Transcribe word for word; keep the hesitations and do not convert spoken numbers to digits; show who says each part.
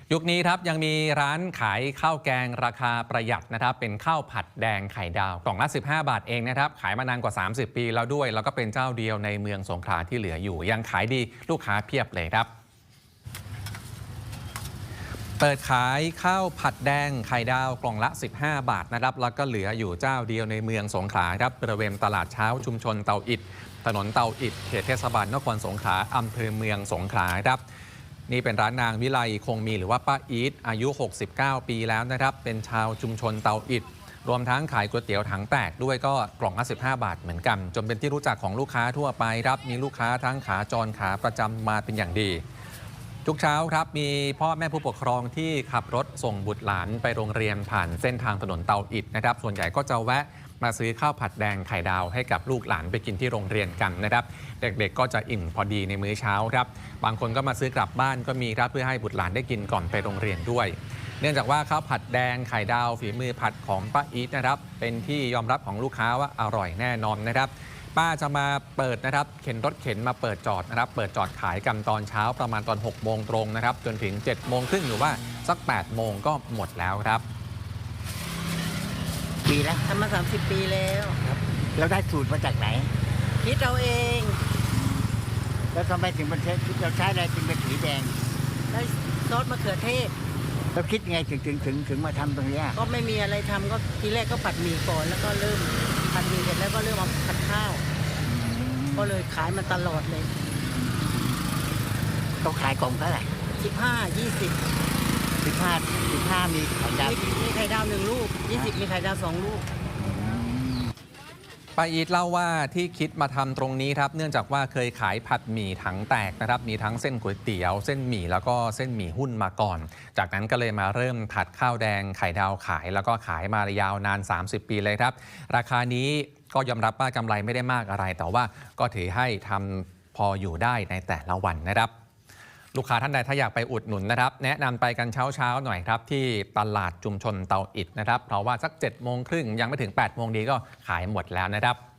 Speaker 1: ยุคนี้ครับยังมีร้านขายข้าวแกงราคาประหยัดนะครับเป็นข้าวผัดแดงไข่ดาวกล่องละสิบห้าบาทเองนะครับขายมานานกว่าสามสิบปีแล้วด้วยแล้วก็เป็นเจ้าเดียวในเมืองสงขลาที่เหลืออยู่ยังขายดีลูกค้าเพียบเลยครับเปิดขายข้าวผัดแดงไข่ดาวกล่องละสิบห้าบาทนะครับแล้วก็เหลืออยู่เจ้าเดียวในเมืองสงขลาครับบริเวณตลาดเช้าชุมชนเตาอิฐถนนเตาอิฐเขตเทศบาลนครสงขลาอำเภอเมืองสงขลาครับนี่เป็นร้านนางวิไลคงมีหรือว่าป้าอีทอายุหกสิบเก้าปีแล้วนะครับเป็นชาวชุมชนเตาอิฐรวมทั้งขายก๋วยเตี๋ยวถังแตกด้วยก็กล่องละสิบห้าบาทเหมือนกันจนเป็นที่รู้จักของลูกค้าทั่วไปครับมีลูกค้าทั้งขาจรขาประจำมาเป็นอย่างดีทุกเช้าครับมีพ่อแม่ผู้ปกครองที่ขับรถส่งบุตรหลานไปโรงเรียนผ่านเส้นทางถนนเตาอิฐนะครับส่วนใหญ่ก็จะแวะมาซื้อข้าวผัดแดงไข่ดาวให้กับลูกหลานไปกินที่โรงเรียนกันนะครับเด็กๆก็จะอิ่มพอดีในมื้อเช้าครับบางคนก็มาซื้อกลับบ้านก็มีครับเพื่อให้บุตรหลานได้กินก่อนไปโรงเรียนด้วยเนื่องจากว่าข้าวผัดแดงไข่ดาวฝีมือผัดของป้าอีทนะครับเป็นที่ยอมรับของลูกค้าว่าอร่อยแน่นอนนะครับป้าจะมาเปิดนะครับเข็นรถเข็นมาเปิดจอดนะครับเปิดจอดขายกันตอนเช้าประมาณตอนหกโมงตรงนะครับจนถึงเจ็ดโมงครึ่งหรือว่าสักแปดโมงก็หมดแล้วครับ
Speaker 2: ปีแล้วทำมาสามสิบปีแล้วครับเราได้สูตรมาจากไหนคิดเราเองแล้วทำไมถึงมันใช้เราใช้อะไรจึงเป็นสีแดงได้ซอสมะเขือเทศเราคิดไงถึงถึงถึงถึงมาทำตรงนี้ก็ไม่มีอะไรทำก็ทีแรกก็ผัดหมี่ก่อนแล้วก็เริ่มผัดหมี่เสร็จแล้วก็เริ่มมาผัดข้าวก็เลยขายมาตลอดเลยต้องขายกล่องเท่าไหร่สิบห้ายี่สิบสิบห้าสิบห้ามีไข่ดาวมีไข่ดาวหนึ่งลูกยี่สิบมีไข่ดาวสองลูก
Speaker 1: ป้าอีทเล่าว่าที่คิดมาทำตรงนี้ครับเนื่องจากว่าเคยขายผัดหมี่ถังแตกนะครับมีทั้งเส้นก๋วยเตี๋ยวเส้นหมี่แล้วก็เส้นหมี่หุ้นมาก่อนจากนั้นก็เลยมาเริ่มผัดข้าวแดงไข่ดาวขายแล้วก็ขายมายาวนานสามสิบปีเลยครับราคานี้ก็ยอมรับว่ากำไรไม่ได้มากอะไรแต่ว่าก็ถือให้ทำพออยู่ได้ในแต่ละวันนะครับลูกค้าท่านใดถ้าอยากไปอุดหนุนนะครับแนะนำไปกันเช้าๆหน่อยครับที่ตลาดชุมชนเตาอิฐนะครับเพราะว่าสักเจ็ดโมงครึ่งยังไม่ถึงแปดโมงดีก็ขายหมดแล้วนะครับ